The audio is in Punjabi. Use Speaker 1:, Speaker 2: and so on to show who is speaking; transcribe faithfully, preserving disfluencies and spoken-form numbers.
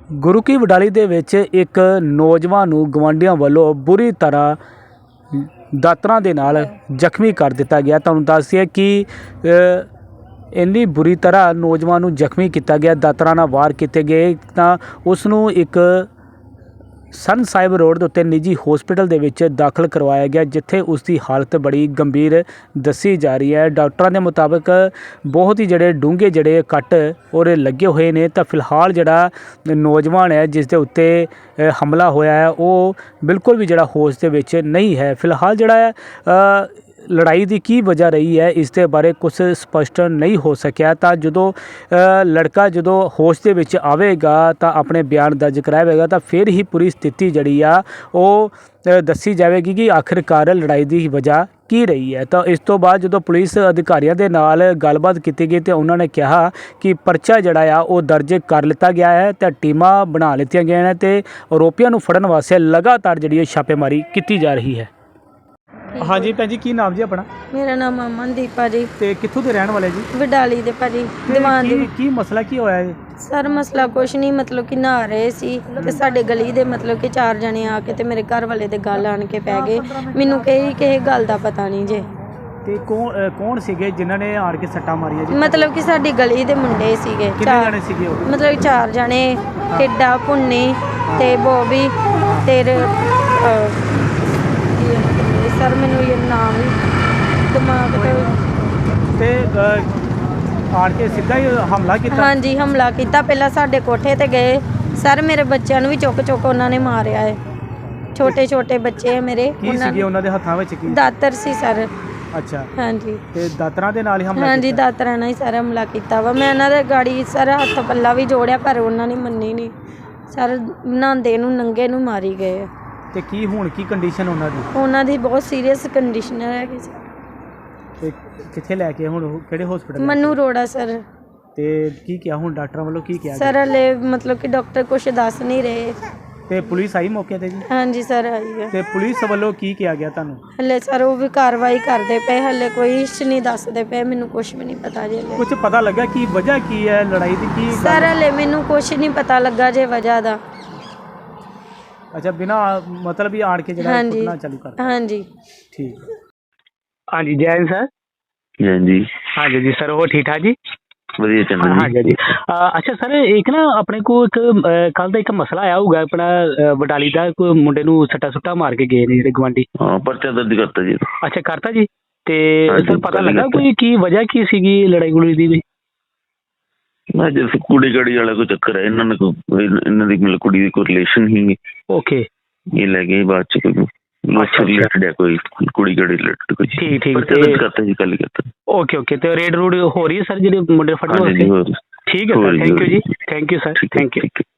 Speaker 1: ਗੁਰੂ ਕੀ ਵਡਾਲੀ ਦੇ ਵਿੱਚ ਇੱਕ ਨੌਜਵਾਨ ਨੂੰ ਗਵਾਂਢੀਆਂ ਵੱਲੋਂ ਬੁਰੀ ਤਰ੍ਹਾਂ ਦਾਤਰਾਂ ਦੇ ਨਾਲ ਜ਼ਖਮੀ ਕਰ ਦਿੱਤਾ ਗਿਆ। ਤੁਹਾਨੂੰ ਦੱਸ ਦਈਏ ਕਿ ਇੰਨੀ ਬੁਰੀ ਤਰ੍ਹਾਂ ਨੌਜਵਾਨ ਨੂੰ ਜ਼ਖਮੀ ਕੀਤਾ ਗਿਆ, ਦਾਤਰਾਂ ਨਾਲ ਵਾਰ ਕੀਤੇ ਗਏ ਤਾਂ ਉਸ ਨੂੰ ਇੱਕ ਸਨ ਸਾਹਿਬ ਰੋਡ ਦੇ ਉੱਤੇ ਨਿੱਜੀ ਹੌਸਪੀਟਲ ਦੇ ਵਿੱਚ ਦਾਖਲ ਕਰਵਾਇਆ ਗਿਆ, ਜਿੱਥੇ ਉਸ ਦੀ ਹਾਲਤ ਬੜੀ ਗੰਭੀਰ ਦੱਸੀ ਜਾ ਰਹੀ ਹੈ। ਡਾਕਟਰਾਂ ਦੇ ਮੁਤਾਬਕ ਬਹੁਤ ਹੀ ਜਿਹੜੇ ਡੂੰਘੇ ਜਿਹੜੇ ਕੱਟ ਔਰ ਲੱਗੇ ਹੋਏ ਨੇ। ਤਾਂ ਫਿਲਹਾਲ ਜਿਹੜਾ ਨੌਜਵਾਨ ਹੈ ਜਿਸ ਦੇ ਉੱਤੇ ਹਮਲਾ ਹੋਇਆ ਹੈ ਉਹ ਬਿਲਕੁਲ ਵੀ ਜਿਹੜਾ ਹੋਸ਼ ਦੇ ਵਿੱਚ ਨਹੀਂ ਹੈ। ਫਿਲਹਾਲ ਜਿਹੜਾ ਹੈ ਲੜਾਈ ਦੀ ਕੀ ਵਜ੍ਹਾ ਰਹੀ ਹੈ ਇਸ ਦੇ ਬਾਰੇ ਕੁਝ ਸਪਸ਼ਟ ਨਹੀਂ ਹੋ ਸਕਿਆ। ਤਾਂ ਜਦੋਂ ਲੜਕਾ ਜਦੋਂ ਹੋਸ਼ ਦੇ ਵਿੱਚ ਆਵੇਗਾ ਤਾਂ ਆਪਣੇ ਬਿਆਨ ਦਰਜ ਕਰਾਵੇਗਾ ਤਾਂ ਫਿਰ ਹੀ ਪੂਰੀ ਸਥਿਤੀ ਜਿਹੜੀ ਆ ਉਹ ਦੱਸੀ ਜਾਵੇਗੀ ਕਿ ਆਖਿਰਕਾਰ ਲੜਾਈ ਦੀ ਵਜ੍ਹਾ ਕੀ ਰਹੀ ਹੈ। ਤਾਂ ਇਸ ਤੋਂ ਬਾਅਦ ਜਦੋਂ ਪੁਲਿਸ ਅਧਿਕਾਰੀਆਂ ਦੇ ਨਾਲ ਗੱਲਬਾਤ ਕੀਤੀ ਗਈ ਤੇ ਉਹਨਾਂ ਨੇ ਕਿਹਾ ਕਿ ਪਰਚਾ ਜਿਹੜਾ ਆ ਉਹ ਦਰਜ ਕਰ ਲਿੱਤਾ ਗਿਆ ਹੈ ਤੇ ਟੀਮਾਂ ਬਣਾ ਲਿੱਤੀਆਂ ਗਈਆਂ ਨੇ ਤੇ ਆਰੋਪੀਆਂ ਨੂੰ ਫੜਨ ਵਾਸਤੇ ਲਗਾਤਾਰ ਜਿਹੜੀ ਛਾਪੇਮਾਰੀ ਕੀਤੀ ਜਾ ਰਹੀ ਹੈ। ਹਾਂਜੀ ਭੈਣ ਜੀ, ਕੀ ਨਾਮ ਜੀ ਆਪਣਾ?
Speaker 2: ਮੇਰਾ ਨਾਮ ਅਮਨਦੀਪ ਆ ਜੀ।
Speaker 1: ਤੇ ਕਿੱਥੋਂ ਦੇ ਰਹਿਣ ਵਾਲੇ ਜੀ?
Speaker 2: ਵਡਾਲੀ ਦੇ ਭਾਜੀ ਦੀਵਾਨ ਦੇ।
Speaker 1: ਕੀ ਮਸਲਾ ਕੀ ਹੋਇਆ ਹੈ
Speaker 2: ਸਰ? ਮਸਲਾ ਕੁਛ ਨਹੀਂ, ਮਤਲਬ ਕਿ ਨਹਾ ਰਹੇ ਸੀ ਤੇ ਸਾਡੇ ਗਲੀ ਦੇ ਮਤਲਬ ਕਿ ਚਾਰ ਜਣੇ ਆ ਕੇ ਤੇ ਮੇਰੇ ਘਰ ਵਾਲੇ ਦੇ ਗੱਲ ਆਣ ਕੇ ਪੈ ਗਏ। ਮੈਨੂੰ ਕਹੀ ਕਿਸੇ ਗੱਲ ਦਾ ਪਤਾ ਨਹੀਂ ਜੇ।
Speaker 1: ਤੇ ਕੌਣ ਕੌਣ ਸੀਗੇ ਜਿਨ੍ਹਾਂ ਨੇ ਆੜ ਕੇ ਸੱਟਾਂ ਮਾਰੀਆਂ ਜੀ?
Speaker 2: ਮਤਲਬ ਕਿ ਸਾਡੀ ਗਲੀ ਦੇ ਮੁੰਡੇ ਸੀਗੇ।
Speaker 1: ਕਿੰਨੇ ਜਣੇ ਸੀਗੇ ਉਹ?
Speaker 2: ਮਤਲਬ ਚਾਰ ਜਣੇ, ਟਿੱਡਾ, ਭੁੰਨੀ ਤੇ ਬੋਬੀ ਤੇ ਸਰ ਮੈਨੂੰ ਇਹ ਨਾਮ ਦਿਮਾਗ
Speaker 1: ਤੇ ਆੜ ਕੇ ਸਿੱਧਾ ਹੀ ਹਮਲਾ ਕੀਤਾ?
Speaker 2: ਹਾਂਜੀ, ਹਮਲਾ ਕੀਤਾ। ਪਹਿਲਾਂ ਸਾਡੇ ਕੋਠੇ ਤੇ ਗਏ ਸਰ, ਮੇਰੇ ਬੱਚਿਆਂ ਨੂੰ ਵੀ ਚੁੱਕ ਚੁੱਕ ਉਹਨਾਂ ਨੇ ਮਾਰਿਆ ਹੈ। ਛੋਟੇ ਛੋਟੇ ਬੱਚੇ ਹੈ ਮੇਰੇ।
Speaker 1: ਕੀ ਸੀਗੇ ਉਹਨਾਂ ਦੇ ਹੱਥਾਂ ਵਿੱਚ? ਕੀ
Speaker 2: ਦਾਤਰ ਸੀ ਸਰ।
Speaker 1: ਅੱਛਾ, ਹਾਂਜੀ। ਤੇ ਦਾਤਰਾਂ ਦੇ ਨਾਲ ਹੀ ਹਮਲਾ?
Speaker 2: ਹਾਂਜੀ, ਦਾਤਰਾਂ ਨਾਲ ਹੀ ਸਰ ਹਮਲਾ ਕੀਤਾ ਵਾ। ਮੈਂ ਇਹਨਾਂ ਦੇ ਗਾੜੀ ਸਰ ਹੱਥ ਪੱਲਾ ਵੀ ਜੋੜਿਆ ਪਰ ਉਹਨਾਂ ਨੇ ਮੰਨੀ ਨਹੀਂ ਸਰ। ਨਹਾਉਂਦੇ ਨੂੰ ਨੰਗੇ ਨੂੰ ਮਾਰੀ ਗਏ ਆ।
Speaker 1: ਤੇ ਕੀ ਹੁਣ ਕੀ ਕੰਡੀਸ਼ਨ ਉਹਨਾਂ ਦੀ?
Speaker 2: ਉਹਨਾਂ ਦੀ ਬਹੁਤ ਸੀਰੀਅਸ ਕੰਡੀਸ਼ਨ ਹੈਗੀ ਸਰ।
Speaker 1: ਤੇ ਕਿੱਥੇ ਲੈ ਕੇ ਹੁਣ ਕਿਹੜੇ ਹਸਪੀਟਲ?
Speaker 2: ਮਨੂ ਰੋੜਾ ਸਰ।
Speaker 1: ਤੇ ਕੀ ਕਿਹਾ ਹੁਣ ਡਾਕਟਰਾਂ ਵੱਲੋਂ? ਕੀ ਕਿਹਾ
Speaker 2: ਸਰ ਹਲੇ ਮਤਲਬ ਕਿ ਡਾਕਟਰ ਕੁਝ ਦੱਸ ਨਹੀਂ ਰਹੇ।
Speaker 1: ਤੇ ਪੁਲਿਸ ਆਈ ਮੌਕੇ ਤੇ ਜੀ?
Speaker 2: ਹਾਂਜੀ ਸਰ ਆਈ ਹੈ।
Speaker 1: ਤੇ ਪੁਲਿਸ ਵੱਲੋਂ ਕੀ ਕਿਹਾ ਗਿਆ ਤੁਹਾਨੂੰ?
Speaker 2: ਹਲੇ ਸਰ ਉਹ ਵੀ ਕਾਰਵਾਈ ਕਰਦੇ ਪਏ, ਹਲੇ ਕੋਈ ਹਿੱਸ ਨਹੀਂ ਦੱਸਦੇ ਪਏ। ਮੈਨੂੰ ਕੁਝ ਵੀ ਨਹੀਂ ਪਤਾ ਜੇ।
Speaker 1: ਕੁਝ ਪਤਾ ਲੱਗਾ ਕੀ ਵਜ੍ਹਾ ਕੀ ਹੈ ਲੜਾਈ ਦੀ? ਕੀ
Speaker 2: ਸਰ ਹਲੇ ਮੈਨੂੰ ਕੁਝ ਨਹੀਂ ਪਤਾ ਲੱਗਾ ਜੇ ਵਜ੍ਹਾ ਦਾ।
Speaker 1: ਅੱਛਾ, ਬਿਨਾ ਮਤਲਬ ਹੀ ਆੜ ਕੇ ਜਿਹੜਾ ਕੁੱਟਣਾ ਚਾਲੂ ਕਰ?
Speaker 2: ਹਾਂਜੀ
Speaker 1: ਠੀਕ। ਹਾਂਜੀ ਜੈ ਸਰ।
Speaker 3: ਹਾਂਜੀ
Speaker 1: ਹਾਂਜੀ ਜੀ ਸਰ, ਉਹ ਠੀਕ ਠਾਕ ਜੀ?
Speaker 3: ਵਧੀਆ ਚੰਗਾ ਜੀ।
Speaker 1: ਹਾਂਜੀ ਜੀ। ਅੱਛਾ ਸਰ, ਇੱਕ ਨਾ ਆਪਣੇ ਕੋਲ ਇੱਕ ਕੱਲ ਦਾ ਇੱਕ ਮਸਲਾ ਆਇਆ ਹੋਊਗਾ ਆਪਣਾ ਵਡਾਲੀ ਦਾ, ਕੋਈ ਮੁੰਡੇ ਨੂੰ ਸੱਟਾ ਸੁੱਟਾ ਮਾਰ ਕੇ ਗਏ ਨੇ ਜਿਹੜੇ ਗੁਆਂਢੀ।
Speaker 3: ਹਾਂ, ਪਰਚਾ ਦਰਜ ਕਰਤਾ ਜੀ।
Speaker 1: ਅੱਛਾ, ਕਰਤਾ ਜੀ। ਤੇ ਸਰ ਪਤਾ ਲੱਗਾ ਕੋਈ ਕੀ ਵਜ੍ਹਾ ਕੀ ਸੀਗੀ ਲੜਾਈ ਗੁੜੀ ਦੀ ਵੀ?
Speaker 3: ਮੈਂ ਜਿਸ ਕੁੜੀ ਗੜੀ ਵਾਲਾ ਕੋਈ ਚੱਕਰ ਹੈ ਇਹਨਾਂ ਨੇ, ਕੋਈ ਇਹਨਾਂ ਦੀ ਮਤਲਬ ਕੁੜੀ ਦੀ ਕੋਈ ਰਿਲੇਸ਼ਨ ਹੀ।
Speaker 1: ਓਕੇ।
Speaker 3: ਇਹ ਲੈ ਗਏ ਬਾਅਦ ਚ ਕੋਈ ਰਿਲੇਟਡ ਕੋਈ ਕੁੜੀ ਗੜੀ ਰਿਲੇਟਡ ਕੋਈ।
Speaker 1: ਠੀਕ ਠੀਕ।
Speaker 3: ਕਰਤਾ ਜੀ, ਕੱਲ ਕਰਤਾ।
Speaker 1: Okay okay. ਤੇ ਰੇਡ ਰੂਡ ਹੋ ਰਹੀ ਹੈ ਸਰ ਜਿਹੜੇ ਮੁੰਡੇ ਫੜਨ ਵਾਸਤੇ? ਠੀਕ ਹੈ sir, thank you ji. Thank you sir, thank you.